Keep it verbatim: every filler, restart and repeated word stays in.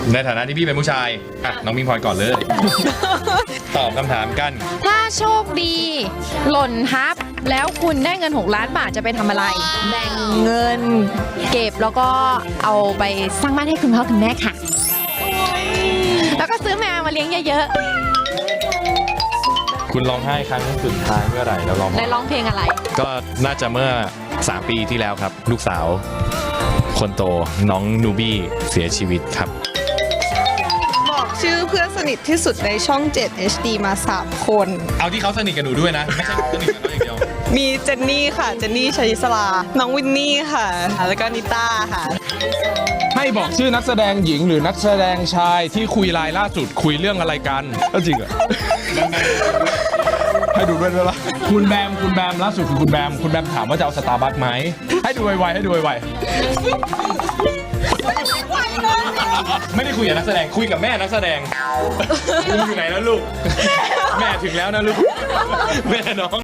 ในฐานะที่พี่เป็นผู้ชายอ่ะน้องมิงพลอยก่อนเลย ตอบคำถามกันถ้าโชคดี หล่นทับ แล้วคุณได้เงินหกล้านบาทจะไปทำอะไร แบ่งเงิน เก็บแล้วก็เอาไปสร้างบ้านให้คุณพ่อคุณแม่ค่ะ แล้วก็ซื้อแมวมาเลี้ยงเยอะคุณร้องไห้ครั้งสุดท้ายเมื่อไหร่แล้วร้องๆได้ร้องเพลงอะไรก็น่าจะเมื่อสามปีที่แล้วครับ ลูกสาวคนโตน้องนูบี้เสียชีวิตครับบอกชื่อเพื่อนสนิทที่สุดในช่อง เจ็ด เอช ดี มา สาม คนเอาที่เขาสนิทกับหนูด้วยนะ ไม่ใช่สนิทกับเราอย่างเดียวมีเจนนี่ค่ะ เจนนี่ชัยศราน้องวินนี่ค่ะ แล้วก็นิต้าค่ะให้บอกชื่อนักแสดงหญิงหรือนักแสดงชายที่คุยไลน์ล่าสุดคุยเรื่องอะไรกันก็จริงเหรอ ให้ดูด้วยได้ปะคุณแบมคุณแบมล่าสุดคือคุณแบมคุณแบมถามว่าจะเอาสตาร์บัคไหมให้ดูไวๆให้ดูไวไม่ได้คุยกับนักแสดงคุยกับแม่นักแสดง ลุงอยู่ไหนแล้วลูก แม่ถึงแล้วนะลูก แม่น้อง